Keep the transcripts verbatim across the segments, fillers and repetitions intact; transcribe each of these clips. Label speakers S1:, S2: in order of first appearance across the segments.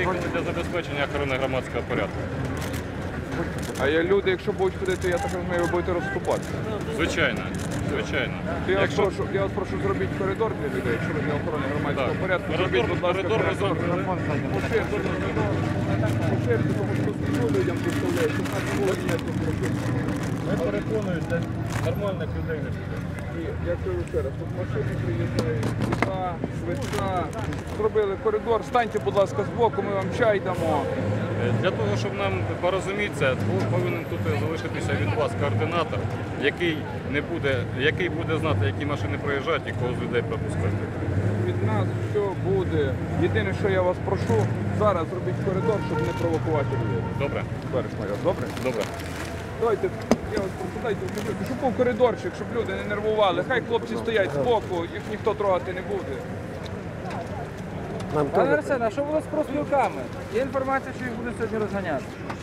S1: приїхали для забезпечення охорони громадського порядку.
S2: А я люди, якщо будуть ходити, я так розумію, ви будете розступатися.
S1: Звичайно, звичайно.
S2: Я,
S1: Якщо...
S2: вас прошу, я вас прошу зробити коридор для людей, якщо ви для охорони громадського
S1: Так.
S2: порядку.
S1: Коридор,
S2: Зробіть, будь ласка,
S1: коридор ви зробите.
S2: Поширте, поширте, тому що тут людям представляють, що в нас не було ніяких проблем.
S3: Ми переконуємо, для нормальних людей не буде.
S2: І я кажу ще раз, тут машини приїжджають, швидка, швидка. Зробили коридор, станьте, будь ласка, збоку, ми вам чай дамо.
S1: Для того, щоб нам порозумітися, повинен тут залишитися від вас координатор, який, не буде, який буде знати, які машини проїжджають і кого з людей пропускати.
S2: Від нас все буде. Єдине, що я вас прошу, зараз зробіть коридор, щоб не провокувати людей.
S1: Добре?
S2: Товариш майор, добре?
S1: Добре.
S2: Давайте, я вас прошу, дайте вміжу, щоб був коридорчик, щоб люди не нервували. Хай хлопці стоять збоку, їх ніхто трогати не буде.
S4: Пане Арсен, а що було з профспілками? Є інформація, що їх будуть сьогодні розганяти.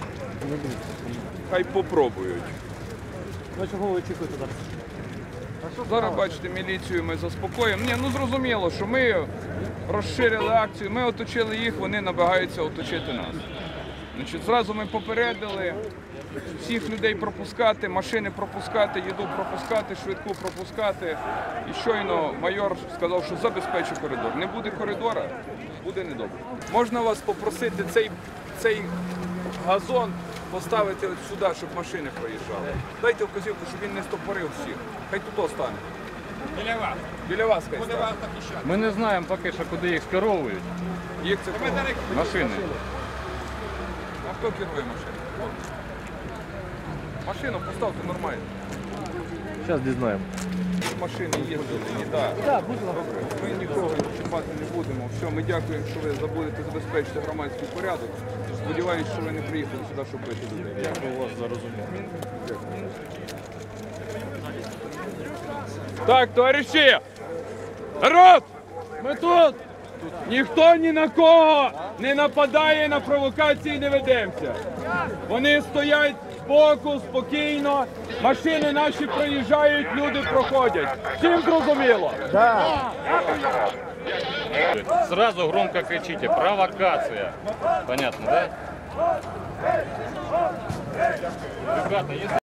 S2: Хай попробують.
S4: Ну чого ви очікуєте зараз?
S2: Зараз, бачите, міліцію ми заспокоїмо. Ні, ну зрозуміло, що ми розширили акцію, ми оточили їх, вони намагаються оточити нас. Значить, зразу ми попередили всіх людей пропускати, машини пропускати, їду пропускати, швидку пропускати. І щойно майор сказав, що забезпечить коридор. Не буде коридора, буде недобре. Можна вас попросити цей, цей газон поставити от сюди, щоб машини проїжджали. Дайте вказівку, щоб він не стопорив всіх. Хай тут остане.
S3: Біля вас.
S2: Біля вас хай стане.
S1: Ми не знаємо поки що, куди їх скеровують.
S2: Їх це кого?
S1: Машини.
S2: А хто керує машину? Машину поставте нормально.
S4: Зараз дізнаємо.
S2: Машини їздили, ні, так.
S4: Так, будь ласка.
S2: Ми нікого чіпати не будемо. Все, ми дякуємо, що ви забудете забезпечити громадський порядок. Сподіваюсь, що ви не приїхали сюди, щоб бити людей.
S1: Дякую вас за розуміння.
S2: Так, товариші! Народ! Ми тут! Ніхто ні на кого не нападає, на провокації не ведемося. Вони стоять збоку, спокійно, машини наші проїжджають, люди проходять. Всім зрозуміло?
S1: Сразу громко кричите: провокация. Понятно, да? Ребята, если